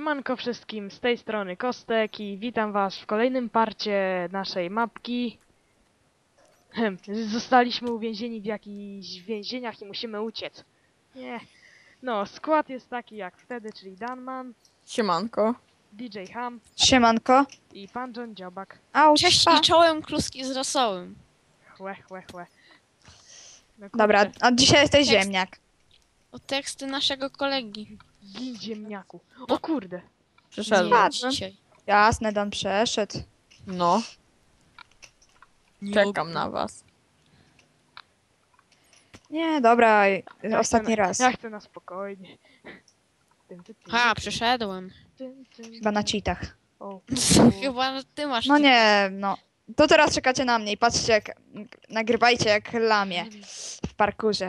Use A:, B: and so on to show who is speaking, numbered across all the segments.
A: Siemanko wszystkim, z tej strony Kostek i witam was w kolejnym parcie naszej mapki. Zostaliśmy uwięzieni w jakichś więzieniach i musimy uciec. Nie. No, skład jest taki jak wtedy, czyli Danman,
B: Siemanko.
A: DJ Ham
C: Siemanko.
A: i pan John Dziobak.
C: Au,
D: Cześć
C: pa.
D: i czołem kluski z rosołem.
A: Chłe. No,
C: Dobra,
A: kurczę,
C: a dzisiaj jesteś
D: Tekst.
C: ziemniak.
D: O teksty naszego kolegi.
A: gin ziemniaku. O
D: No.
A: kurde.
B: Przyszedłem.
D: Nie
C: Patrzę.
D: dzisiaj.
C: Jasne, Dan przeszedł.
B: No,
D: Nie
B: czekam na was.
C: Nie, dobra,
A: Ja
C: ostatni
A: chcę
C: raz.
A: Ja chcę na spokojnie.
D: Ha, przeszedłem.
C: Chyba na cheatach.
A: O,
D: Chyba ty masz.
C: No nie, no. To teraz czekacie na mnie i patrzcie jak... Nagrywajcie jak lamie w parkurze.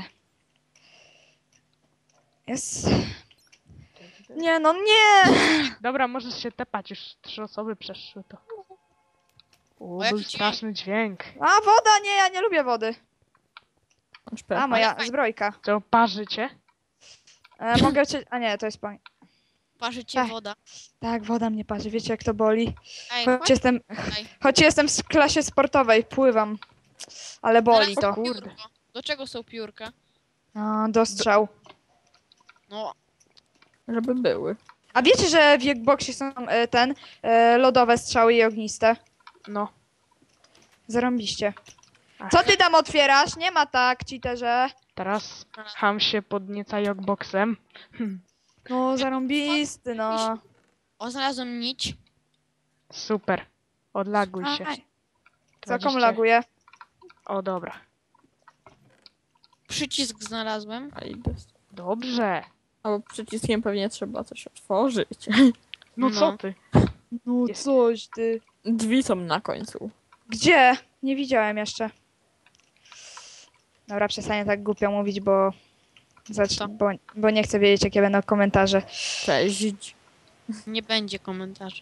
C: Jest... Nie, no nie!
A: Dobra, możesz się tepać, już 3 osoby przeszły to. O,
D: jaki
A: był
D: dźwięk?
A: straszny dźwięk.
C: A, woda, nie, ja nie lubię wody.
B: Masz pecha.
C: A, moja
D: Ale
C: zbrojka.
A: To parzycie?
C: Mogę cię... A nie, to jest pani.
D: Parzy cię
C: Ech.
D: woda.
C: Tak, woda mnie parzy, wiecie jak to boli?
D: Ej,
C: Choć jestem...
D: Ej.
C: Choć jestem w klasie sportowej, pływam. Ale boli to.
A: Kurde.
D: Do czego są piórka?
C: A, do strzał.
D: No,
B: Żeby były.
C: A wiecie, że w Jackboxie są lodowe strzały i ogniste?
A: No.
C: Zarąbiście.
A: Ach.
C: Co ty tam otwierasz? Nie ma tak, cheaterze.
A: Teraz Ham się podnieca jogboxem.
C: No, zarąbisty, no.
D: o znalazłem nić.
A: Super. Odlaguj się.
C: Aj. Co
A: 20.
C: komu laguje?
A: O, dobra.
D: Przycisk znalazłem.
B: A idę.
A: Dobrze.
B: Albo przyciskiem pewnie trzeba coś otworzyć.
A: No,
D: No.
A: co ty?
C: No
A: Jest.
C: coś ty.
B: Drzwi są na końcu.
C: Gdzie? Nie widziałem jeszcze. Dobra, przestaję tak głupio mówić, bo...
D: Co?
C: Bo nie chcę wiedzieć, jakie będą komentarze.
B: Cześć.
D: Nie będzie komentarzy.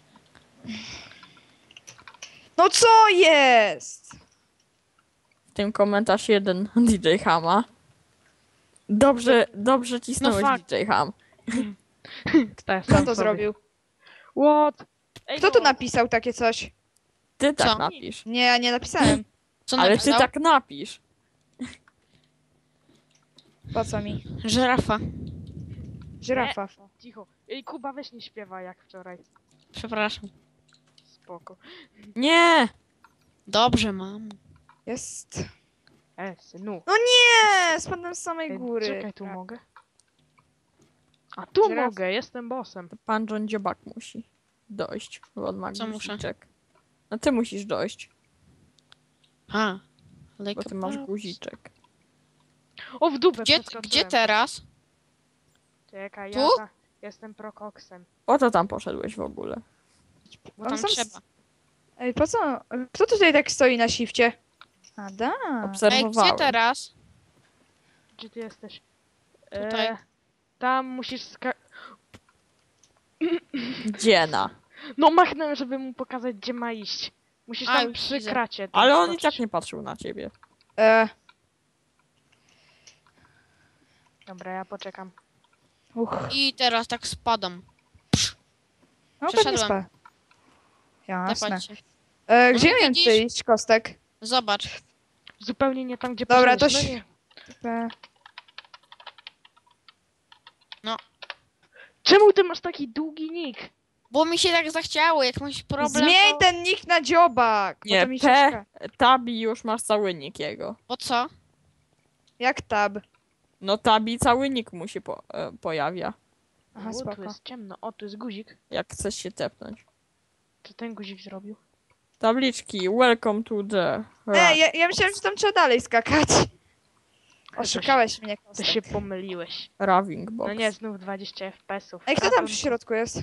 C: No co jest?
B: W tym komentarz jeden DJ Hama. Dobrze cisnąłeś
A: No fuck.
B: DJ Ham.
C: Kto to zrobił?
A: What? Ej,
C: Kto
A: no.
C: tu napisał takie coś?
B: Ty tak
D: Co?
B: napisz.
C: Nie, ja nie napisałem.
D: Co
B: Ale ty
D: napisał?
B: tak napisz.
C: Po co mi?
D: Żerafa.
C: Żyrafa.
A: Cicho. Ej, Kuba, weź nie śpiewa jak wczoraj.
D: Przepraszam.
A: Spoko.
B: Nie!
D: Dobrze, mam.
C: Jest.
A: Synu.
C: No nie! Spadłem z samej
A: Ej,
C: góry.
A: czekaj, tu mogę? A tu
C: Żyraf-
A: mogę, jestem bossem.
B: Pan John Dziobak musi dojść. Bo on ma
D: Co muszę?
B: guziczek. No ty musisz dojść,
D: Ha. Like
B: bo ty
D: a
B: masz
D: boss.
B: guziczek.
A: O, w dupę
D: Gdzie
A: przeskoczyłem.
D: teraz?
A: Czekaj,
D: Tu?
A: jestem prokoksem.
B: Po co tam poszedłeś w ogóle?
D: Bo
C: On
D: tam
C: sam-
D: trzeba.
C: Ej, po co? Kto tutaj tak stoi na shifcie? Ada.
D: Ej, gdzie
B: Obserwowałem.
D: teraz?
A: Gdzie ty jesteś?
D: Tutaj.
A: Tam musisz
B: Dziena.
A: No machnąłem, żeby mu pokazać, gdzie ma iść. Musisz
D: A,
A: tam
D: już
A: przy
D: widzę.
A: kracie. tam
B: Ale on i
A: skoczyć.
B: tak nie patrzył na ciebie.
A: Dobra, ja poczekam.
C: Uch.
D: I teraz tak spadam.
C: No pewnie
D: Przeszedłem.
C: spa. Jasne.
D: Tepać się.
C: Gdzie
D: No,
C: miałem
D: widzisz?
C: tutaj iść, Kostek?
D: Zobacz.
A: Zupełnie nie tam, gdzie
C: Dobra, to
A: poszedłeś. No nie.
C: E,
A: Czemu ty masz taki długi nick?
D: Bo mi się tak zachciało, jak masz problem.
C: Zmień
D: to...
C: ten nick na dziobak! bo
B: Nie,
C: to mi się
B: P,
C: szka-
B: Tabi już masz cały nick jego.
D: Po co?
C: Jak tab?
B: No Tabi cały nick mu się pojawia,
C: Aha,
A: O, tu
C: spoko.
A: jest ciemno. O, tu jest guzik.
B: jak chcesz się tepnąć.
A: Co ten guzik zrobił?
B: Tabliczki, welcome to the...
C: Ja myślałem, że tam trzeba dalej skakać. Oszukałeś mnie,
A: To
C: Kostek.
A: się pomyliłeś.
B: Raving box.
A: No nie, znów 20 FPS-ów.
C: Ej, kto tam w środku jest?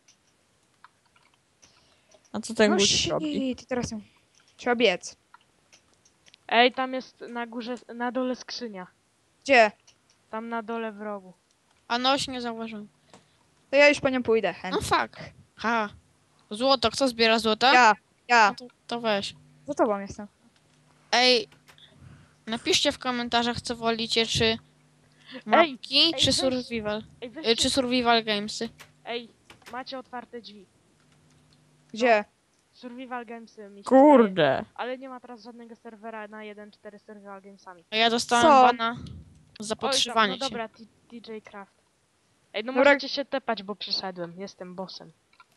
B: A co ten
C: No
B: guzik robi?
C: shit, teraz ją. Trzeba biec.
A: Ej, tam jest na górze, na dole skrzynia.
C: Gdzie?
A: Tam na dole w rogu.
D: A noś nie zauważyłem.
C: To ja już po nią pójdę. chętnie.
D: No fuck. Ha. Złoto, kto zbiera złoto?
C: Ja.
D: No to weź.
C: Za tobą jestem.
D: Ej, napiszcie w komentarzach, co wolicie, czy mapki,
A: ej,
D: czy
A: weź.
D: survival.
A: Ej, weźcie,
D: Czy survival gamesy.
A: ej, macie otwarte drzwi.
C: Gdzie?
A: Survival Gamesy mi się wydaje.
B: Kurde.
A: Ale nie ma teraz żadnego serwera na 1.4 Survival Gamesami.
D: A ja dostałem
C: Co?
D: bana za
A: Oj,
D: podszywanie
A: no
D: się.
A: dobra, DJ Craft. Ej, no
C: Dobra.
A: możecie się tepać, bo przyszedłem. Jestem bossem.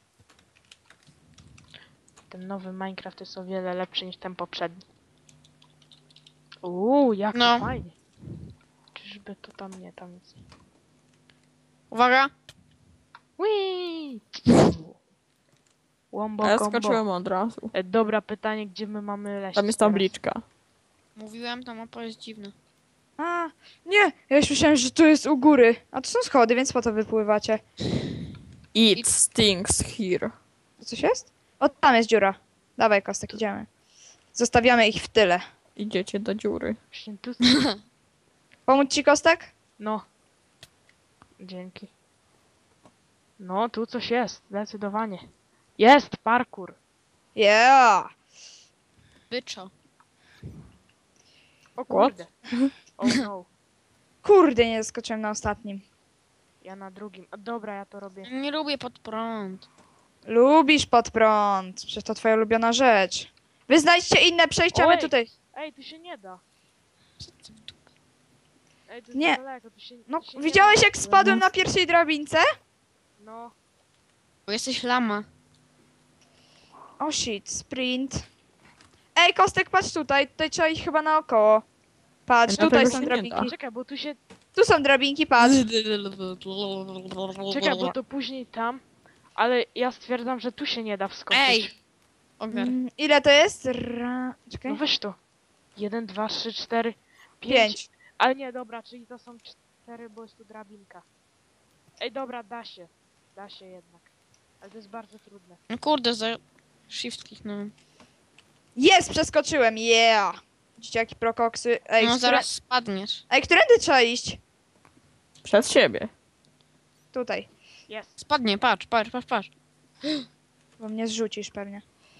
A: Ten nowy Minecraft jest o wiele lepszy niż ten poprzedni. Jak
D: No.
A: to fajnie. Czyżby to tam nie, tam nic nie.
D: Uwaga!
A: Whee! Łombo
B: A ja
A: combo.
B: skoczyłem od razu.
A: Dobra, pytanie, gdzie my mamy leść
B: Tam jest
A: teraz?
B: tabliczka.
D: Mówiłem, ta mapa jest dziwna.
C: A, nie, ja już myślałem, że tu jest u góry. A tu są schody, więc po to wypływacie.
B: It stinks here.
C: Tu coś jest? O, tam jest dziura. Dawaj, Kostek, idziemy. Zostawiamy ich w tyle.
B: Idziecie do dziury.
A: Właśnie tu...
C: Pomóc ci, Kostek?
A: No. Dzięki. No, tu coś jest, zdecydowanie. Jest parkour.
C: Yeah!
D: Byczo.
A: O kurde. Oh no.
C: Kurde, nie zaskoczyłem na ostatnim.
A: Ja na drugim. A dobra, ja to robię.
D: Nie lubię pod prąd.
C: Lubisz pod prąd. Przecież to twoja ulubiona rzecz. Wy znajdźcie inne przejścia, my
A: Oj!
C: tutaj...
A: Ej, tu się nie da. Ej, to jest
C: Nie.
A: za daleko, tu się,
C: No,
A: tu się nie
C: widziałeś
A: da.
C: jak spadłem na pierwszej drabince?
A: No.
D: Bo jesteś lama.
C: Oh shit, sprint. Ej, Kostek, patrz tutaj. Tutaj trzeba iść chyba naokoło. Patrz,
B: No
C: tutaj
B: tego
C: są
B: się nie
C: drabinki.
A: Czekaj, bo tu się...
C: Tu są drabinki, patrz.
A: Czekaj, bo to później tam. Ale ja stwierdzam, że tu się nie da wskoczyć.
D: Ej! Ogar.
C: Ile to jest? Czekaj.
A: No weź to. 1, 2, 3, 4, 5.
C: 5.
A: Ale nie, dobra, czyli to są 4, bo jest tu drabinka. Ej, dobra, da się. Da się jednak. Ale to jest bardzo trudne.
D: No kurde, za shift kliknąłem.
C: Jest, przeskoczyłem, yeah! Widzicie, jakie prokoksy. Ej,
D: No zaraz spadniesz.
C: Ej, którędy trzeba iść?
B: Przed siebie.
C: Tutaj.
A: Jest.
D: Spadnie, patrz, patrz, patrz, patrz.
C: Bo mnie zrzucisz pewnie.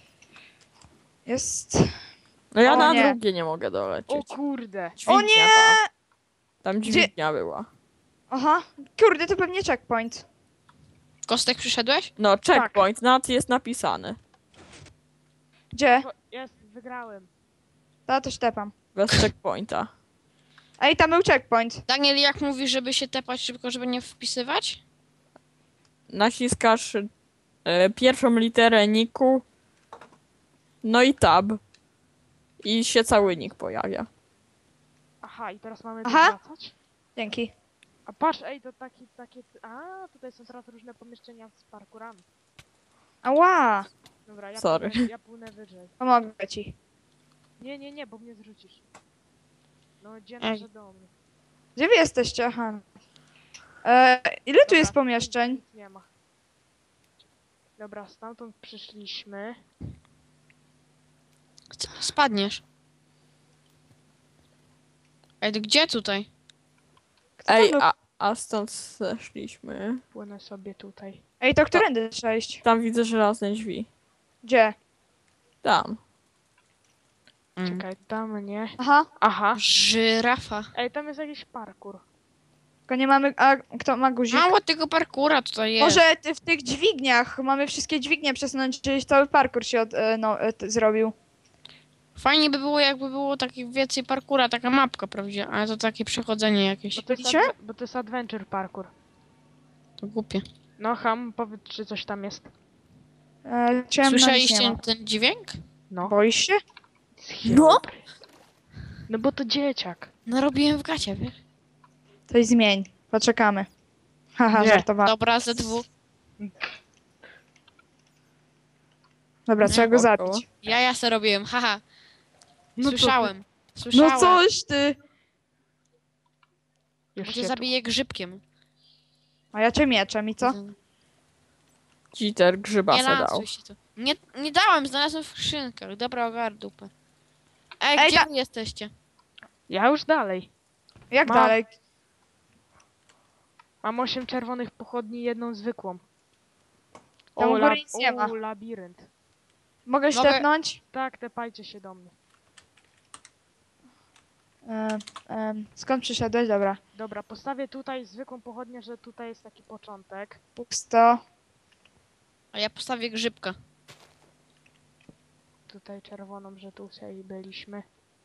C: Jest.
B: No ja
C: O
B: na
C: nie.
B: drugie nie mogę
A: O
B: dolecieć.
A: kurde.
B: Dźwignia
C: O nie!
B: Tam
C: Gdzie-
B: dźwignia była.
C: Aha. Kurde, to pewnie checkpoint.
D: Kostek przyszedłeś?
B: No, checkpoint, nad jest napisany.
C: Gdzie?
A: Jest, wygrałem.
C: To ślepam.
B: Bez checkpointa.
C: Ej, tam był checkpoint.
D: Daniel, jak mówisz, żeby się tepać szybko, żeby nie wpisywać?
B: Naciskasz pierwszą literę niku, no i tab. I się cały nick pojawia.
A: Aha, i teraz mamy tu
C: Aha.
A: wracać?
C: Dzięki.
A: A patrz, ej, to takie... A, tutaj są teraz różne pomieszczenia z parkurami.
C: Ała!
A: Dobra,
B: Sorry.
A: ja płynę wyżej.
C: Pomogę ci.
A: Nie, bo mnie zrzucisz. No, gdzie
D: Ej.
A: nasze domy?
C: Gdzie wy jesteście? Aha. Ile tu
A: Dobra,
C: jest pomieszczeń?
A: nic nie ma. Dobra, stamtąd przyszliśmy.
D: Spadniesz. Ej, to gdzie tutaj?
C: Kto tam
B: Ej,
C: był?
B: a stąd zeszliśmy.
A: Płynę sobie tutaj.
C: Ej, to którędy trzeba iść?
B: Tam widzę żelazne drzwi.
C: Gdzie?
B: Tam.
A: Czekaj, tam nie.
C: Aha.
A: Aha.
D: Żyrafa.
A: Ej, tam jest jakiś parkur.
C: Tylko nie mamy... A kto ma guzik?
D: Mało tego parkura tutaj jest.
C: Może w tych dźwigniach. Mamy wszystkie dźwignie przesunąć, czyli cały parkour się zrobił.
D: Fajnie by było, jakby było takich więcej parkura, taka mapka prawdziwa, ale to takie przechodzenie jakieś.
A: Bo to jest,
C: Widzicie?
A: bo to jest adventure parkour.
D: To głupie.
A: No, Ham, powiedz, czy coś tam jest.
C: Ciemno, nic nie
D: Słyszeliście
C: ma.
D: ten dźwięk?
A: No.
C: Boisz się?
A: No? No bo to dzieciak.
D: No robiłem w gacie, wiesz?
C: Coś zmień. Poczekamy. Haha,
A: Nie.
C: żartowałem.
D: Dobra, ze dwóch.
C: Dobra, trzeba go
B: Spoko.
C: zabić.
D: Ja se robiłem, haha.
A: No to-
D: Słyszałem. Słyszałem.
C: No coś ty!
A: Już
D: Bo
A: się
D: cię zabiję grzybkiem.
C: A ja cię mieczem i co?
B: Cheater grzyba
D: Nie
B: se dał.
D: lansuj się tu. Nie dałem, znalazłem w skrzynkach. Dobra, ogar dupę. Ej,
C: Ej,
D: gdzie wy jesteście?
A: Ja już dalej.
C: Jak
A: Mam.
C: dalej?
A: Mam 8 czerwonych pochodni i jedną zwykłą.
C: Tam u góry
A: lab-
C: nic nie ma.
A: labirynt.
C: Mogę
D: Mogę-
C: ślepnąć?
A: Tak, tepajcie się do mnie.
C: Skąd przyszedłeś? Dobra.
A: Dobra, postawię tutaj zwykłą pochodnię, że tutaj jest taki początek.
C: Pusto.
D: A ja postawię grzybka.
A: Tutaj czerwoną, że tutaj byliśmy.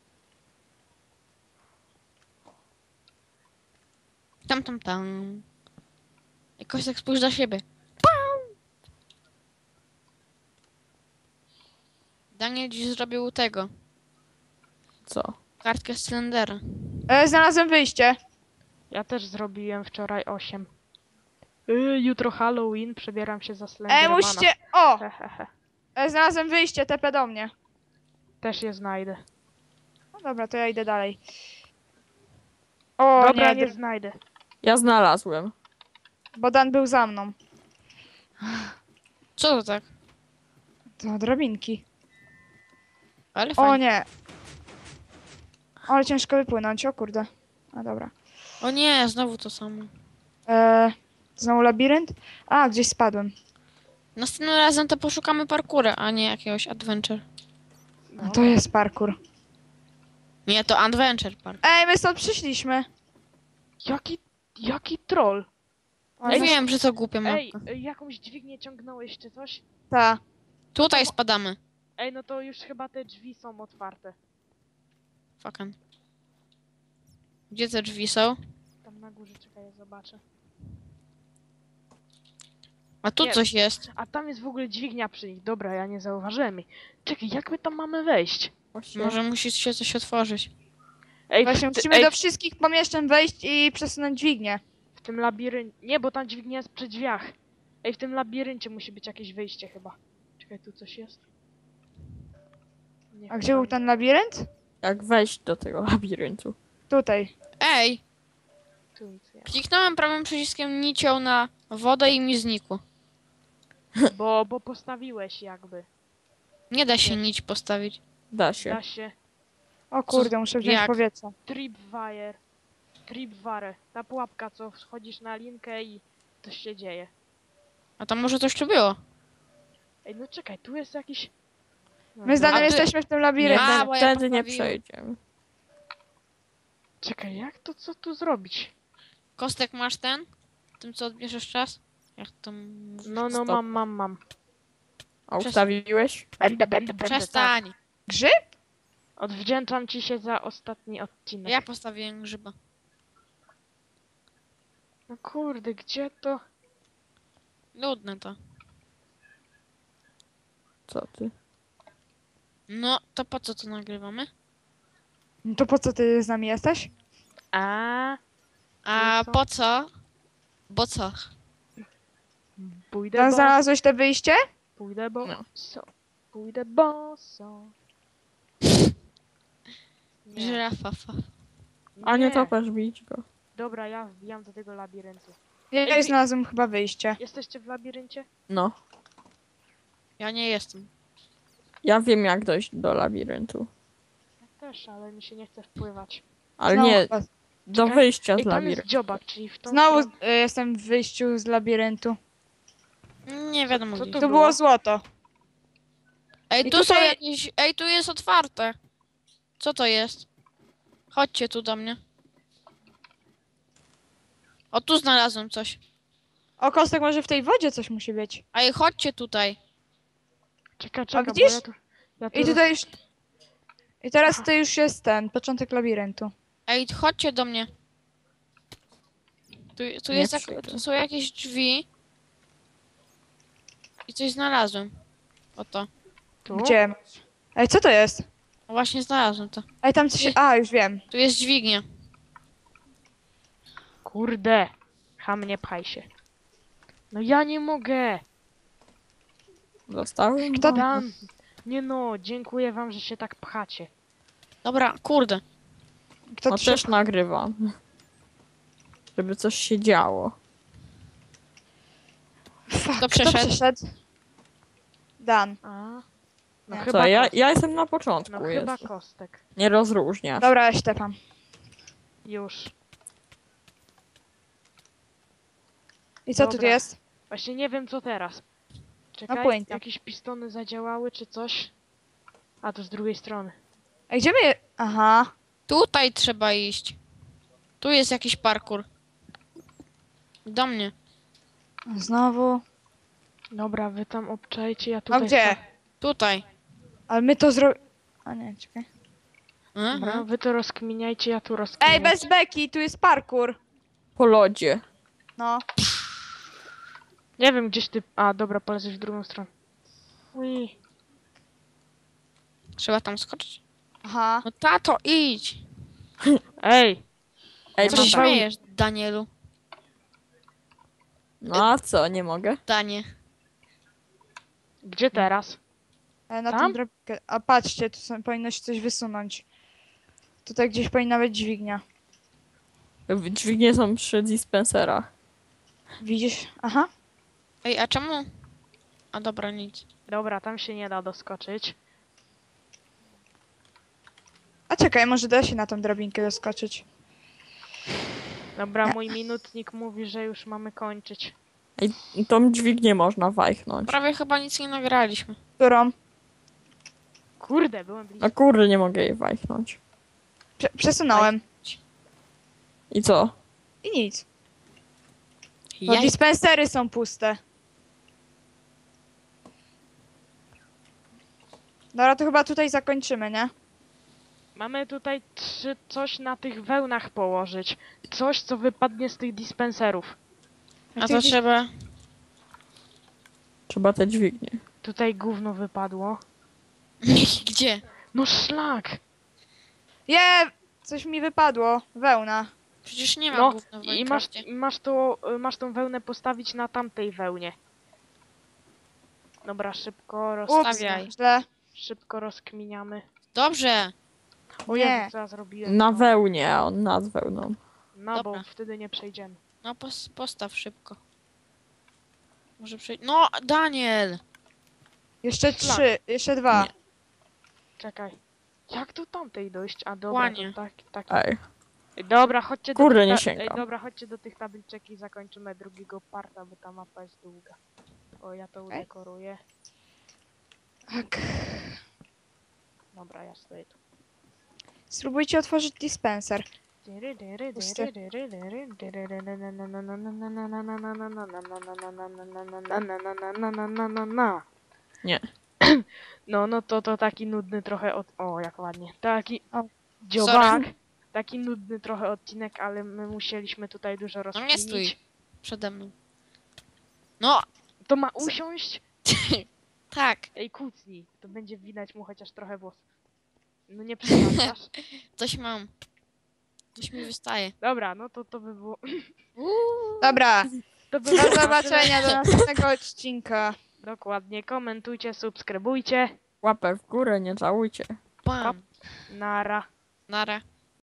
D: Tam. Jakoś tak spójrz na siebie. Daniel dziś zrobił tego.
B: Co?
D: Kartkę z cylindera.
C: Znalazłem wyjście.
A: Ja też zrobiłem wczoraj 8. Jutro Halloween, przebieram się za Slendermana.
C: Musicie... O!
A: Hehehe.
C: Znalazłem wyjście, TP do mnie.
A: Też je znajdę.
C: No dobra, to ja idę dalej. O
A: Dobra,
C: nie,
A: nie znajdę.
B: Ja znalazłem.
C: bo Dan był za mną.
D: Co to tak?
C: To drabinki.
D: Ale
C: O
D: fajnie.
C: nie. Ale ciężko wypłynąć, o kurde. A dobra.
D: O nie, znowu to samo.
C: Znowu labirynt? A, gdzieś spadłem.
D: Następnym razem to poszukamy parkura, a nie jakiegoś adventure.
C: A to jest parkour.
D: Nie, to adventure park.
C: Ej, my stąd przyszliśmy.
A: Jaki troll?
C: Ale
D: Ja wiem, że to głupia
A: Ej,
D: mapka.
A: jakąś dźwignię ciągnąłeś czy coś?
C: Ta.
D: Tutaj spadamy.
A: Ej, no to już chyba te drzwi są otwarte.
D: Fucking. Gdzie te drzwi są?
A: Tam na górze, czekaj, ja zobaczę.
D: A tu
A: Nie.
D: coś jest.
A: A tam jest w ogóle dźwignia przy nich. Dobra, ja nie zauważyłem jej. Czekaj, jak my tam mamy wejść?
B: Właśnie.
D: Może musi się coś otworzyć.
A: Ej,
C: Właśnie musimy do wszystkich pomieszczeń wejść i przesunąć dźwignię.
A: w tym labiryncie... Nie, bo tam dźwignia jest przy drzwiach. Ej, w tym labiryncie musi być jakieś wyjście chyba. Czekaj, tu coś jest? Nie,
C: A gdzie był
A: chyba
C: ten labirynt?
B: Jak wejść do tego labiryntu?
C: Tutaj.
D: Ej,
A: nie, tu nic nie
D: kliknąłem prawym przyciskiem nicią na wodę i mi znikło.
A: ma. Bo postawiłeś jakby.
D: Nie da się nić postawić.
B: Da się.
A: Da się.
C: O kurde, muszę wziąć
D: jak?
C: powietrze.
A: Tripwire. Tripwire. Ta pułapka, co wchodzisz na linkę i coś się dzieje.
D: A tam może coś tu było.
A: Ej, no czekaj, tu jest jakiś... No,
C: My z Danem
D: A ty-
C: jesteśmy w tym
B: Nie,
C: labiryncie.
D: A, bo ja
B: wtedy nie
D: poprawiłem.
B: przejdziemy.
A: Czekaj, jak to, co tu zrobić?
D: Kostek masz ten? Tym co odbierzesz czas? Jak to...
A: No,
B: Stop.
A: mam.
B: A ustawiłeś?
A: Będę, tak.
D: Przestań!
C: Grzyb?
A: Odwdzięczam ci się za ostatni odcinek.
D: Ja postawiłem grzyba.
A: No kurde, gdzie to?
D: Nudne to.
B: Co ty?
D: No, to po co to nagrywamy?
C: No to po co ty z nami jesteś?
A: A,
D: A
A: co?
D: po co? Bo co?
A: pójdę
C: Dan,
A: boso.
C: znalazłeś te wyjście?
A: Pójdę
D: No.
A: boso. Pójdę boso. Nie,
D: Żyrafa.
B: A nie topesz, bić go.
A: Dobra, ja wbijam do tego labiryntu.
C: Ja
A: Ej,
C: znalazłem chyba wyjście.
A: Jesteście w labiryncie?
B: No.
D: Ja nie jestem.
B: Ja wiem jak dojść do labiryntu.
A: Ja też, ale mi się nie chce wpływać.
B: Ale
C: Znowu
B: nie,
C: chyba-
B: do
A: Czekaj.
B: wyjścia
A: Ej,
B: z
A: tam jest
B: labiryntu.
A: dziobak, czyli w tą
C: Znowu
A: stronę.
C: jestem w wyjściu z labiryntu.
D: Nie wiadomo
A: Co
D: gdzie.
A: to
C: Tu
A: było?
C: było złoto.
D: Ej,
C: I
D: tu są
C: tutaj-
D: jakieś... Ej, tu jest otwarte. Co to jest? Chodźcie tu do mnie. O, tu znalazłem coś.
C: O, Kostek, może w tej wodzie coś musi być.
D: Ej, chodźcie tutaj.
A: Czekaj, bo
C: widzisz?
A: ja tu
C: I tutaj już... I teraz to już jest ten, początek labiryntu.
D: Ej, chodźcie do mnie. Tu,
B: Nie
D: jest
B: przyjdę.
D: tu są jakieś drzwi. I coś znalazłem. Oto.
A: tu?
C: Gdzie? Ej, co to jest?
D: No właśnie znalazłem to.
C: Ej, tam coś... A, już wiem.
D: Tu jest dźwignia.
A: Kurde. Nie pchaj się. No ja nie mogę.
B: Dostałem?
C: Kto-
A: Dan. Nie no, dziękuję wam, że się tak pchacie.
D: Dobra, kurde.
C: Kto
B: No
C: tu
B: też nagrywam. Żeby coś się działo.
C: Fuck,
D: Kto
C: kto
D: przeszedł?
C: przeszedł? Dan.
A: A? No
C: Nie.
A: chyba
B: Co, ja
A: kostek.
B: jestem na początku.
A: No chyba
B: Jest.
A: kostek.
B: Nie rozróżniasz.
C: Dobra, ja ślepam.
A: Już.
C: I co tu
A: Dobra.
C: jest?
A: Właśnie nie wiem co teraz. Czekaj,
C: pojęcia.
A: jakieś pistony zadziałały czy coś? A to z drugiej strony.
C: Ej, gdzie my... Aha.
D: Tutaj trzeba iść. Tu jest jakiś parkour. Do mnie.
C: Znowu.
A: Dobra, wy tam obczajcie, ja
C: A
A: tutaj...
C: gdzie?
D: Tutaj.
C: Ale my to zro... A nie, czekaj.
A: Dobra, wy to rozkminiajcie, ja tu rozkminię.
C: Ej, bez beki, tu jest parkour.
B: Po lodzie.
C: No.
A: Nie wiem, gdzieś ty... A, dobra, polezesz w drugą stronę. Ui.
D: Trzeba tam skoczyć.
C: Aha.
D: No tato, idź!
A: Ej!
B: Ej,
D: Co
A: mam
D: się
B: to...
A: wełnę.
D: śmiejesz, Danielu?
B: No a co, nie mogę?
D: Danie.
A: Gdzie teraz?
C: Na
A: Tam?
C: tym drabinkę. A patrzcie, tu powinno się coś wysunąć. Tutaj gdzieś powinna być dźwignia.
B: Dźwignie są przy dispenserach.
C: Widzisz? Aha.
D: Ej, a czemu? A dobra, nic.
A: Dobra, tam się nie da doskoczyć.
C: A czekaj, może da się na tą drabinkę doskoczyć.
A: Dobra, mój minutnik mówi, że już mamy kończyć.
B: Ej, tą dźwignię można wajchnąć.
D: Prawie chyba nic nie nagraliśmy.
C: Którą?
A: Kurde, byłem blisko.
B: No kurde, nie mogę jej wajchnąć.
C: Przesunąłem.
B: I co?
C: I nic. No
D: Ja...
C: dispensery są puste. Dobra, to chyba tutaj zakończymy, nie?
A: Mamy tutaj coś na tych wełnach położyć. Coś, co wypadnie z tych dispenserów.
D: A to trzeba...
B: Trzeba te dźwignie.
A: Tutaj gówno wypadło.
D: Gdzie?
A: No szlak!
C: Coś mi wypadło. Wełna.
D: Przecież nie ma
A: No
D: gówna w
A: i
D: Minecrafcie.
A: masz tą wełnę postawić na tamtej wełnie. Dobra, szybko
C: Ups,
D: Stawiaj.
C: źle.
A: szybko rozkminiamy.
D: Dobrze.
A: O
C: Nie.
A: Jezu, co ja zrobiłem?
B: Na
A: No.
B: wełnie, a on nad wełną.
A: No bo
D: Dobra.
A: wtedy nie przejdziemy.
D: No postaw szybko. Może przejść... No, Daniel!
C: Jeszcze
A: Szlak.
C: 3, jeszcze 2.
B: Nie.
A: Czekaj. Jak do tamtej dojść? A dobra,
D: Łanie.
A: to tak.
B: Ej,
A: Ej, dobra, chodźcie
B: Kurde,
A: do tych
B: nie
A: ta-
B: sięgam.
A: Ej, dobra, chodźcie do tych tabliczek i zakończymy drugiego parta, bo ta mapa jest długa. O, ja to udekoruję.
C: Tak.
A: Dobra, ja stoję tu.
C: Spróbujcie otworzyć dispenser.
B: Nie.
A: No to taki nudny trochę O, jak ładnie. Taki
C: O.
A: dziobak. Taki nudny trochę odcinek, ale my musieliśmy tutaj dużo
D: No
A: rozkminić.
D: nie stój. Przede mną. No,
A: To ma usiąść?
D: tak.
A: Ej, kucnij. To będzie widać mu chociaż trochę włosów. No nie przesadzasz.
D: Coś mam. Coś mi wystaje.
A: Dobra, no to by było...
C: Dobra,
A: To by
C: do
A: było na
C: zobaczenia do
A: tyle.
C: następnego odcinka.
A: Dokładnie. Komentujcie, subskrybujcie.
B: Łapę w górę, nie żałujcie.
D: Bam.
A: Nara.
D: Nara.